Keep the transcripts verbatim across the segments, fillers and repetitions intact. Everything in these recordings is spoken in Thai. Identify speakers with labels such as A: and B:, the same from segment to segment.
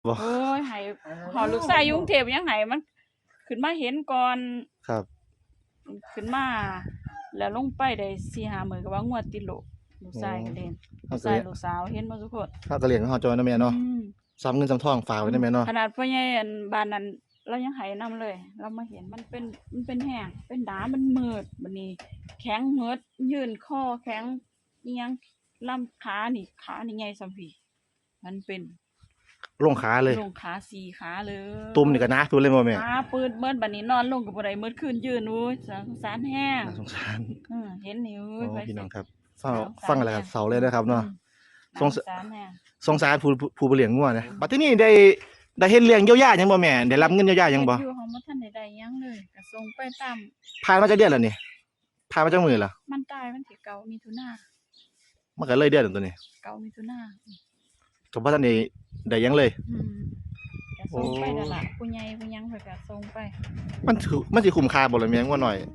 A: บ่
B: โอ้ยให้หอลูกชายอยู่กรุงเทพยังไห้มันขึ้นมาเห็นก่อน
A: ครับ
B: ขึ้นมาแล้วลงไปได้สี่ห้ามื้อก็ว่างวดติดโลกลูกชายก็เล่นลูกชายลูกสาวเห็นบ่ทุกคน
A: เฮาก็เลี้ยงเฮาจอยเนาะแม่เนาะซ้ำเงินซ้ำทองฝากไว้ได้แม่เนาะ
B: ขนาดพ่อใหญ่อันบ้านนั้นเรายังให้นำเลยเรามาเห็นมันเป็นมันเป็นแห้งเป็นดามันมืดบัดนี้แข็งเหิดยื่นคอแข็งอีหยังลำขานี่ขานี่ใหญ่ส่ำพี่มันเป็น
A: ลงขาเลย
B: ลงขาสี่ขาเลย
A: ตุ่มนี่ก็หนาสุดเลยบ่แม่
B: ขาปืดเบิดบัดนี้นอนลงก็บ่ได้มืดคืนยืนโอ้ยสงสารแห้ง
A: สงสาร
B: เออเห็นนี่โอ้
A: ยพี่น้องครับฟังฟังอะไรครับเสาเลยนะครับเนาะ
B: สงสารแห้ง
A: สงสารผู้ผู้เลี้ยงงัวนะบัดทีนี้ได้ได้เฮ็ดเลี้ยงเยียวยาหยังบ่แม่ได้รับเงินเยียวยาหยังบ่
B: อยู่ของบ่ทันได้ได้หยังเลยก็ส่งไปตาม
A: ผ่านมาจักเดือนแล้วนี่ผ่านมาจักมื้อแล้ว
B: มันตายวันที่เก้ามิถุนายน
A: มันก็เลยเดือนตัวนี้
B: เก้ามิถุนายน
A: ก็บ่ทันได้ได้หยังเลย
B: อืมก็ส่งไปนั่นล่ะผู้ใหญ่ผู้หยังเพิ่นก็ส่งไป
A: มันถือมันสิคุ้มค่าบ่ล่ะแม่งัวน้อย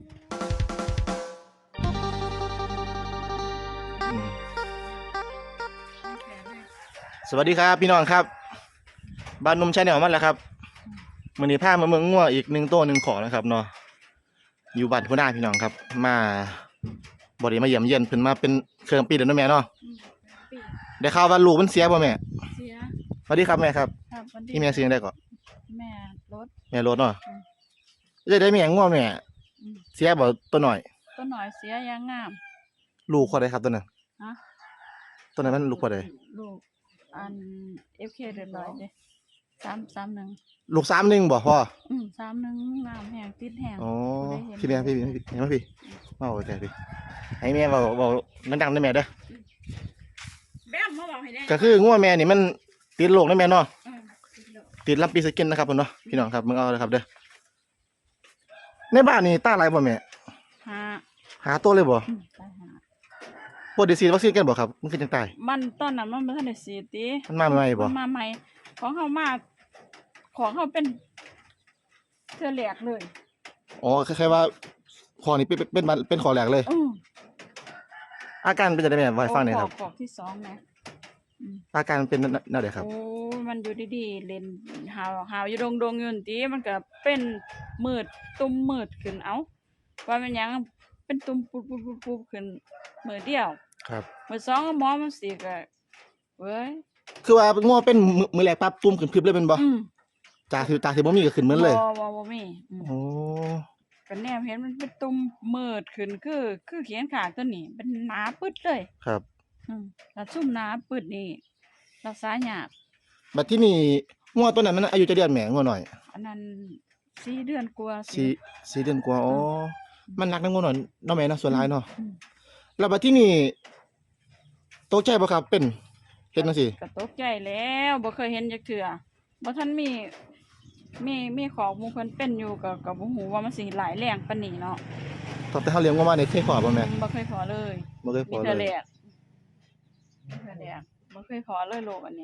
A: สวัสดีครับพี่น้องครับบ้านนุ่มชาแนลมันแล้วครับมื้อนี้พามาเมืองงัวอีกหนึ่งตัวหนึ่งขอนะครับเนาะอยู่บ้านพุ่นนาพี่น้องครับมาบ่ได้มาเยี่ยมเยียนเพิ่นมาเป็นเครื่องปีแล้วเนาะแม่เนาะได้ข่าวว่าลูกมันเสียบ่แม่
B: เสีย
A: สวัสดีครับแม่ครับ
B: ครับสวัสดี
A: ที่แม่เสียงได้ก่อน
B: แม่รถ
A: แม่รถเนาะจะได้แม่งัวแม่เสียบ่ตัวน้อย
B: ตัวน้อยเสียอย่างงาม
A: ลูกคนใดครับตัวนั้น
B: ฮะ
A: ตัวนั้นมันลูกคนใด
B: ลูกอัน เอฟ เค เรียบร้อยเด้สาม สามหนึ่ง
A: ลูกสามหนึ่งบ่พ่อ
B: อืมสามหนึ่งงามแห้งติดแห้ง
A: อ๋อพี่แม่พี่พี่เห็นไหมพี่มาโอเคพี่ให้แม่เบาเบาดังๆได้แม่เด้อ
B: แม่มาบอกให้ได้
A: ก็คืองัวแม่นี่มันติดโรคได้แม่เนาะติดลำปีสกินนะครับเนาะพี่น้องครับมึงเอาเลยครับเด้อในบ้านนี่ตาอะไรบ่แม่
B: หา
A: หาตัวเลยบ่ปวดดีซีวัคซีนกันบ่ครับมันคือจังตาย
B: มันตอนนั้นมันบ่ทันได้ฉีดติ
A: มันมาใหม่บ่
B: มันมาใหม่ของเฮามาของเฮาเป็นเทื่อแรกเลย
A: อ๋อคล้ายๆว่าคอนี่เป็นเป็นเป็นคอแรกเลย
B: อือ
A: อาการเป็นจังได๋แม่ไว้ฟังหน่อยครับ
B: ขอที่สองนะ
A: อาการเป็นแนวใดครับ
B: โอ้มันอยู่ดีๆเล่นหาวหาวอยู่ดงๆอยู่นั่นติมันก็เป็นมืดตุ่มมืดขึ้นเอ้าว่ามันหยังเป็นตุ่มปุบๆๆขึ้นมื้อเดียว
A: ครับ
B: มื้อสองหมอมันสิก็เว้ย
A: คือว่างัวเป็นมื้อแรกปั๊บตุ่มขึ้นพรึบเลยเป็นบ่จากที่จากที่บ่มีก็ขึ้นเหมือนเลย
B: บ่บ่บ่มี
A: อ๋อ
B: ก็แนมเห็นมันเป็นตุ่มมืดขึ้นคือคือเขียนข้างตัวนี้เป็นหนาปึดเลย
A: ครับ
B: อืมถ้าซุ่มหนาปึดนี่รักษายาก
A: บัดที่นี่งัวตัวนั้นมันอายุจะเดือนแม่งัวน้อย
B: อันนั้นสี่เดือนกว่า
A: สี่ สี่เดือนกว่าอ๋อมันหนักนำงัวน้อยเนาะแม่เนาะส่วนหลายเนาะแล้วบัดที่นี่ตกใจบ่ครับเป็นเฮ็ดจังซี่
B: ก็ตกใจแล้วบ่เคยเห็นจักเทื่อบ่ทันมีมีมีของหมู่เพิ่นเป็นอยู่ก็ก็บ่ฮู้ว่ามันสิหลายแรงปานนี้เนาะ
A: ตั้งแต่เฮาเลี้ยงงัวมานี่เคยพอบ่แม่
B: บ่เคยพอเลย
A: บ่เคยพอเลยมี
B: แต่แรกมีแต่แรกบ่เคยพอเลยโลกอันนี้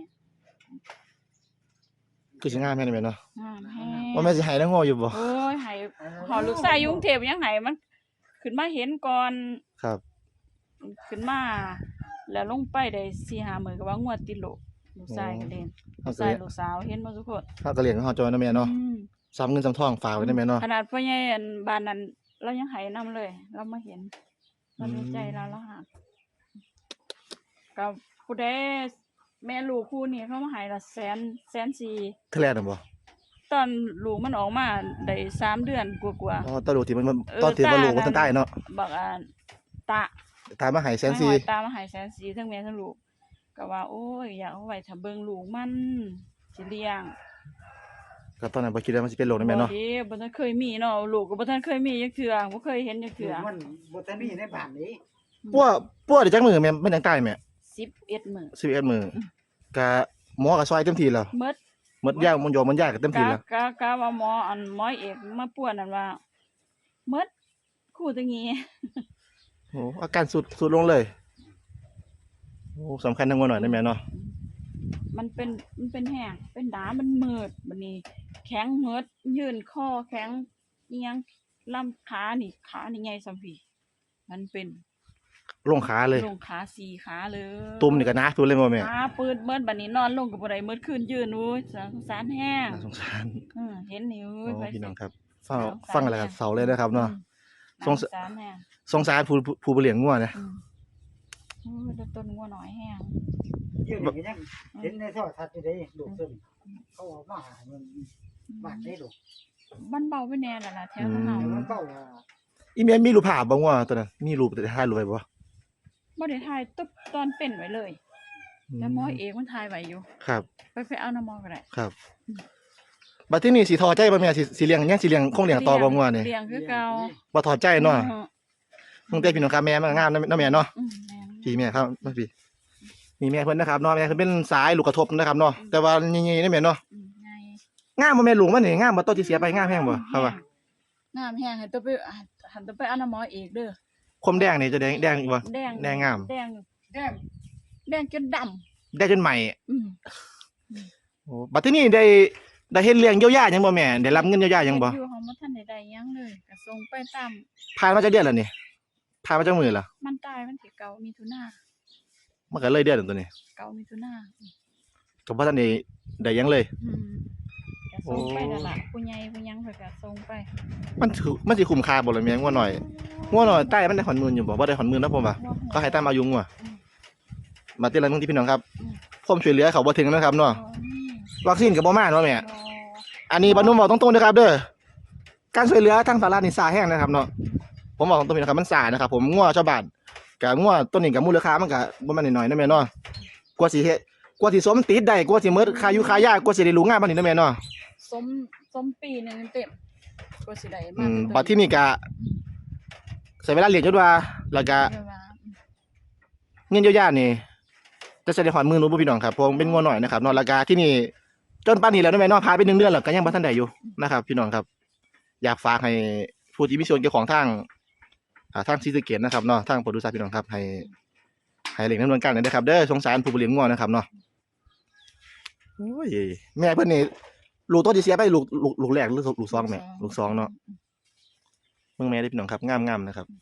A: คือสิงามแม่นแม่เนาะ
B: งามแฮง
A: ว่าแม่สิให้นางงัวอยู่บ่
B: โอ้ยให้หอลูกชายอยู่กรุงเทพยังให้มันขึ้นมาเห็นก่อน
A: ครับ
B: ขึ้นมาแล้วลงไปได้สี่ห้ามื้อก็ว่างวดติดโลกลูกชายก็เล่นลูกชายลูกสาวเห็นบ่ทุกคน
A: เฮาก็เลี้ยงเฮาจอยเนาะแม่เนาะซ้ำเงินซ้ำทองฝากไว้ได้แม่เนาะ
B: ขนาดพ่อใหญ่อันบ้านนั้นเรายังให้นำเลยเรามาเห็นเราดีใจเราแล้วฮักก็ผู้ใดแม่ลูกคู่นี้เขามาให้ละแสนแสนสี่
A: เท่าแรกน่ะบ่
B: ตอนลูกมันออกมาได้สามเดือนกว่า
A: ๆอ๋อตอนลูกที่มันตอนที่ว่าลูกมันทันตายเนาะ
B: บักอันตา
A: ตามาให้แสนสี่
B: ตามาให้แสนสี่ทั้งแม่ทั้งลูกก็ว่าโอ้ยอยากเอาไว้ถ้าเบิ่งลูกมันสิเลี้ยง
A: ก็ตอนนั้นบ่คิดว่ามันสิเป็นโรคนั่นแม่เนาะ
B: บ่บ่ทันเคยมีเนาะลูกก็บ่ทันเคยมีจักเทื่อบ่เคยเห็นจักเทื่อ
C: มันบ่ทันมีในบ้านนี้
A: ปัวปัวได้จักมื้อแม่มันจังตายแม่
B: สิบเอ็ดมื้อ
A: สิบเอ็ดมื้อก็หมอก็ซอยเต็มที่แล้ว
B: หมด
A: หมดยามันยอมันยาก็เต็มที่แล้ว
B: กะกะว่าหมออันหมอเอกมาป่วนนั่นว่าหมดคู่ตะงี้
A: โอ้อาการสุดสุดลงเลยโอ้สำคัญทั้งงัวน้อยได้แม่เนาะ
B: มันเป็นมันเป็นแห้งเป็นดามันมืดบัดนี้แข็งเหิดยื่นคอแข็งอีหยังลำขานี่ขานี่ใหญ่ส่ำพี่มันเป็น
A: ลงขาเลย
B: ลงขาสี่ขาเลย
A: ตุ่มนี่ก็นะตุ่มเลยบ่แม่
B: ขาปืดเมิดบัดนี้นอนลงก็บ่ได้เมิดคืนยืนโอ้ยสงสารแห้ง
A: น่าสงสาร
B: อือเห็นนี่โอ้
A: โอ้
B: ย
A: พี่น้องครับฟังฟังแล้วก็เศร้าเลยนะครับเนาะ ส
B: ส
A: ง
B: ง
A: ส
B: สารแห้ง
A: สงสารผู้ผู้ผู้บ่เลี้ยงงัวนะ
B: อืมโอ้ยแล้วต้นงัวน้อยแห้ง
C: เดี๋ยวนี้ก็ยังเห็นในโทรทัศน์อยู่เด้ลูกตัวนี้เขาเออกมาหามันบ้านได้ลูก
B: มันเบาไปแน่แล้วล่ะแถวของเฮา
C: มันเป้าว่า
A: อีแม่มีรูปภาพบ่งัวตัวนั้นมีรูปแต่ถ่ายรูปไว้บ่
B: บ่ได้ถ่ายตุ๊บตอนเป็นไว้เลยแล้วหมอเอกมันถ่ายไว้อยู่
A: ครับ
B: ไปไปเอาน้ำหมอก็ได้
A: ครับบัดที่นี่สิทอใจบ่แม่สิสิเลี้ยงยังสิเลี้ยงคงเลี้ยงต่อบ่งัวนี่
B: เลี้ยงคือเก่า
A: บ่ทอใจเนาะ
B: อือ
A: มึงแต่พี่น้องครับแม่มันงามนะนะแม่เนาะ
B: อืมแม่น
A: พี่แม่ครับมาพี่นี่แม่เพิ่นนะครับเนาะแม่เพิ่นเป็นสายลูกกระทบนะครับเนาะแต่ว่านี่ๆนี่แม่เนาะ
B: อืมไง
A: งามบ่แม่ลุงมันนี่งามบ่โตที่เสียไปงามแฮงบ่ครับว่า
B: งามแห้งให้ตัวไปหันตัวไปเอาน้ำหมอเอกเด้อ
A: คมแดงนี่จะแดงแดงอีกบ่
B: แดง
A: แดงงาม
B: แดง
C: แดง
B: แดงจนดำ
A: ได้จนใหม่
B: อืม
A: โอ้บัดที่นี่ได้ได้เฮ็ดเลี้ยงเยียวยาหยังบ่แม่ได้รับเงินเยียวยาหยังบ่
B: อยู่ของบ่ทันได้ได้หยังเลยก็ส่งไปตาม
A: ผ่านมาจักเดือนแล้วนี่ผ่านมาจักมื้อแล้ว
B: มันตายมันสิเก่ามีทุนา
A: มันก็เลยเดือนแล้วตัวนี้
B: เก่ามีทุนา
A: ก็บ่ทันได้ได้หยังเลย
B: อืมก็ส่งไปนั่นล่ะผู้ใหญ่ผู้หยังเพิ่นก็ส่งไป
A: มันถือมันสิคุ้มค่าบ่ล่ะแม่งัวน้อยงัวน้อยใต้มันได้หอนหมื่นอยู่บ่บ่ได้หอนหมื่นนะผมว่าก็ให้ตามอายุงัวมาติละนึงที่พี่น้องครับความช่วยเหลือเขาบ่ถึงนะครับเนาะ
B: อ๋อนี่
A: วัคซีนก็บ่มาเนาะแม่
B: บ่
A: อันนี้บรรนุมบอกตรงๆนะครับเด้อการช่วยเหลือทางสารานี่สาแห้งนะครับเนาะผมบอกตรงๆนะครับมันสานะครับผมงัวชาวบ้านกับงัวต้นนี้กับมูลค่ามันก็บ่แม่นน้อยๆนะแม่เนาะกว่าสิเฮ็ดกว่าสิสมติดได้กว่าสิหมดค่าอยู่ค่ายากว่าสิได้รู้งานบัดนี้นะแม่เนาะ
B: สมสมปีหนึงเต็มก็สิได้
A: อื
B: มาม
A: บัดที่นี่ก็ใช้เวลาเรียนจนว่าแล้วก็
B: เดี๋ยวว่า
A: เงินเยียวยานี่จะใช้ได้หอนมือรู้บ่พี่น้องครับเพราะเป็นงัวน้อยนะครับเนาะแล้วก็ที่นี่จนป่านนี้แล้วนะแม่เนาะผ่านไปหนึ่งเดือนแล้วก็ยังบ่ทันได้อยู่นะครับ พี่น้องครับ อยากฝากให้ผู้ที่มีส่วนเกี่ยวของทางอ่าทางศรีสะเกษนะครับเนาะทางโปรดิวเซอร์พี่น้องครับให้ให้เร่งดำเนินการหน่อยนะครับเด้อสงสารผู้บริเลี้ยงงัวนะครับเนาะโอ้ยแม่เพิ่นนี่ลูกตัวที่เสียไปลูกลูกลูกแรกหรือลูกสองแม่ลูกสองเนาะเบิ่งแม่ได้อพี่น้องครับงามๆนะครับ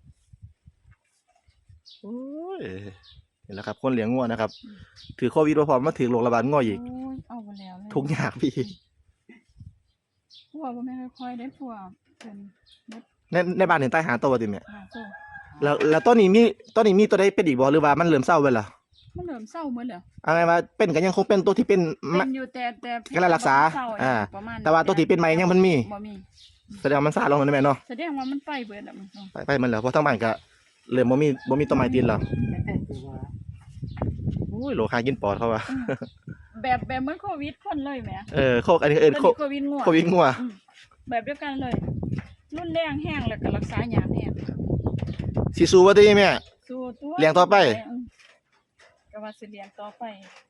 A: โอ้ยนี่แหละครับคนเลี้ยงงัวนะครับถือโควิดบ่พร้อมมาถือโรคระบาดงัวอีก
B: โอ้ยเอาไปแล้วเลย
A: ทุกข์ยากพี่
B: พวกบ่แม่นค่อยๆได้พวกเพิ่น
A: ในในบ้านเห็นใต้หาตัวบ่ติแม่
B: หาโซ่
A: แล้วแล้วตัวนี้มีตัวนี้มีตัวใดเป็นอีกบ่หรือว่ามันเริ่มเศร้าไปแล้ว
B: มันเริ่มเศร้าหมดแล้ว
A: เอาไงว่าเป็นก็ยังคงเป็นตัวที่เป็น
B: เป็
A: มะ
B: นอยู่แต่แต่
A: ก็ได้รักษา
B: เศร้
A: อ่า
B: ประมาณ
A: แต่ว่าตัวที่เป็นใหม่ยังมันมี
B: บ่มี
A: แสดงว่ามันซาลงแล้วแม่เนาะ
B: แสดงว่ามันไปเบิดแล้วมัน
A: ไปไปมันแล้วเพราะทั้งบ้านก็เริ่มบ่มีบ่มีต้นไม้ติดแล้ว
C: แต่ตัวว่า
A: โอ้ยโลคากินปอดเขาว่า
B: อืมแบบแบบเหมือนโควิดคนเลยแหม
A: เออโคกอันนี้เอิ้นโค
B: โควิดงัว
A: โควิดงัว
B: อืมแบบเดียวกันเลยรุนแรงแห้งแล้วก็รักษายากแห้ง
A: สิสู้บ่ติแม่
B: สู้ตัว
A: เลี้ยงต่อไป
B: อืมก็ว่าสิเลี้ยงต่อไป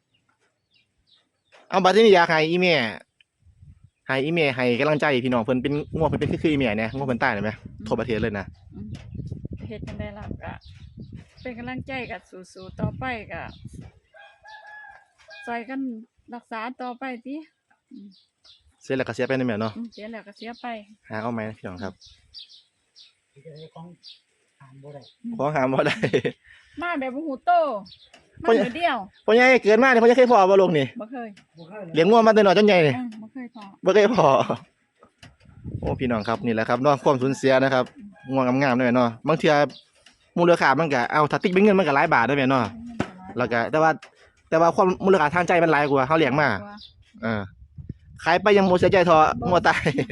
A: เอาบัดนี้อยากให้อีแม่ให้อีแม่ให้กำลังใจพี่น้องเพิ่นเป็นงัวเพิ่นเป็นคือๆอีแม่เนี่ยงัวเพิ่นตายได้ไหมทั่วประเทศเลยนะ
B: อืมเฮ็ดจังได๋ล่ะก็เป็นกำลังใจก็สู้ๆต่อไปก็ช่วยกันรักษาต่อไปติอืม
A: เสียแล้วก็เสียไปนะแม่เนาะ
B: อืมเสียแล้วก็เสียไป
A: หาเอาไหมพี่น้องครับ
C: ที่จะได้ของทานบ่ได้
A: ขอหาบ่ได้
B: มาแบบบ่ฮู้โตมา
A: เพราะ
B: เดี๋ยวเดียว
A: พ่อใหญ่เกิดมาเนี่ยพ่อใหญ่เคยพอบ่ลงนี่
B: บ่เคย
C: บ่เคยเลย
A: เลี้ยงงัวมาแต่น้อยจนใหญ่นี่
B: อืมบ่เคยพอ
A: บ่เคยพอโอ้พี่น้องครับนี่แหละครับเนาะความสูญเสียนะครับง่วงงามๆด้วยเนาะบางเทื่อมูลค่ามันก็เอาถ้าติ๊กเป็นเงินมันก็หลายบาทได้แม่เนาะแล้วก็แต่ว่า แต่ว่าความมูลค่าทางใจมันหลายกว่าเฮาเลี้ยงมาเออขายไปยังบ่เสียใจเท่างัวตาย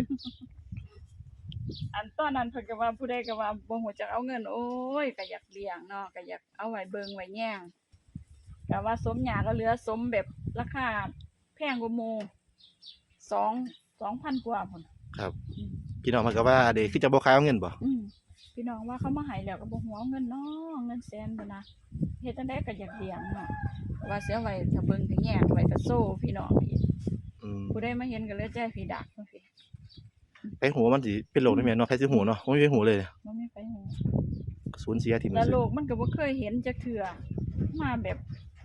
B: อันตอนนั้นเพิ่นก็ว่าผู้ใดก็ว่าบ่ฮู้จักเอาเงินโอ้ยก็อยากเลี้ยงเนาะก็อยากเอาไว้เบิ่งไว้แย่งก็ว่าสมหยาก็เหลือสมแบบราคาแพงกว่าหมู่สอง สองพันกว่าพุ่น
A: ครับ พี่น้องมันก็ว่าเด้คือจะบ่ขายเอาเงินบ่
B: อืมพี่น้องว่าเขามาให้แล้วก็บ่ฮู้เอาเงินเนาะเงินแสนพุ่นนะเฮ็ดจังได๋ก็อยากเลี้ยงเนาะว่าสิเอาไว้ถ้าเบิ่งก็แย่งไว้ก็โซ่พี่น้องอีก
A: อืม
B: ผู้ใดมาเห็นก็เลยใจพี่ดักจังซี่
A: ไปหูว่ามันสิเป็นโรคได้แม่เนาะใครสิหูเนาะบ่มีไปหูเลย
B: บ่มีไปฮู้
A: สูญเสียที่มัน
B: แล้ว
A: สิ
B: โลกมันก็บ่เคยเห็นจักเทื่อมาแบบ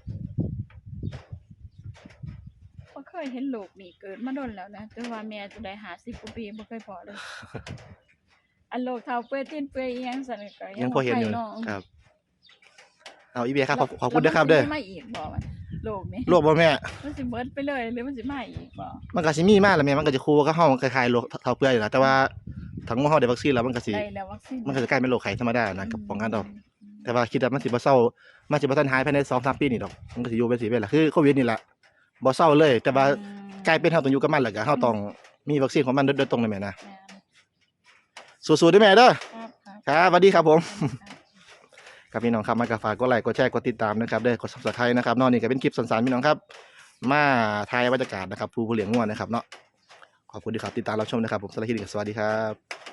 B: บ่เคยเห็นโลกนี่เกิดมาโดนแล้วนะแต่ว่าแม่จะได้ห้าสิบกว่าปีบ่เคยพอเลย อันโลกเฒ่าเปื่อยตีนเปื่อยอีหยังซั่นก็
A: ยังพอเห็นอยู่
B: บ่ไปาะ
A: ครับเอาอีเบียครับขอบขอบคุณด้วยครับเด้อ
B: แล้วมันสิไม่อีกบ่มันโลกนี้
A: โรคบ่แม่
B: มันสิเบิดไปเลยหรือมันสิมาอีกบ่
A: มันก็สิมีมาแหล้วแม่มันก็จะคู่กับเฮามันคล้ายๆโรคเท่าเปื่อยอยู่แล้วแต่ว่าถ้างูเฮาได้วัคซีนแล้วมันก็สิ
B: ได้แล้ววัคซีน
A: มันก็จะกลายเป็นโรคไข้ธรรมดานะกับป้องกันดอกแต่ว่าคิดว่ามันสิบ่เซามันสิบ่ทันหายภายใน สองถึงสาม ปีนี่ดอกมันก็สิอยู่เป็นสิเป็นล่ะคือโควิดนี่ล่ะบ่เซาเลย แต่ว่า
B: อืม
A: กลายเป็นเฮาต้องอยู่กับมันแล้วก็เฮาต้องมีวัคซีนของมันโดยโดยตรงเลยแม่นะ
B: แม่น
A: สู้ๆเด้อแม่เด้อ
B: ครับครับ
A: ครับสวัสดีครับผม
B: ครับ
A: ครับพี่น้องครับมากระฝากกดไลค์กดแชร์กดติดตามนะครับเด้อกด Subscribe นะครับเนอกนี่ก็เป็นคลิปสั้นๆพี่น้องครับ มาถ่ายบรรยากาศนะครับผู้ผู้เลี้ยงงัวนะครับเนาะขอบคุณที่ครับติดตามรับชมนะครับผมสำหรับคลิปนี้ก็สวัสดีครับ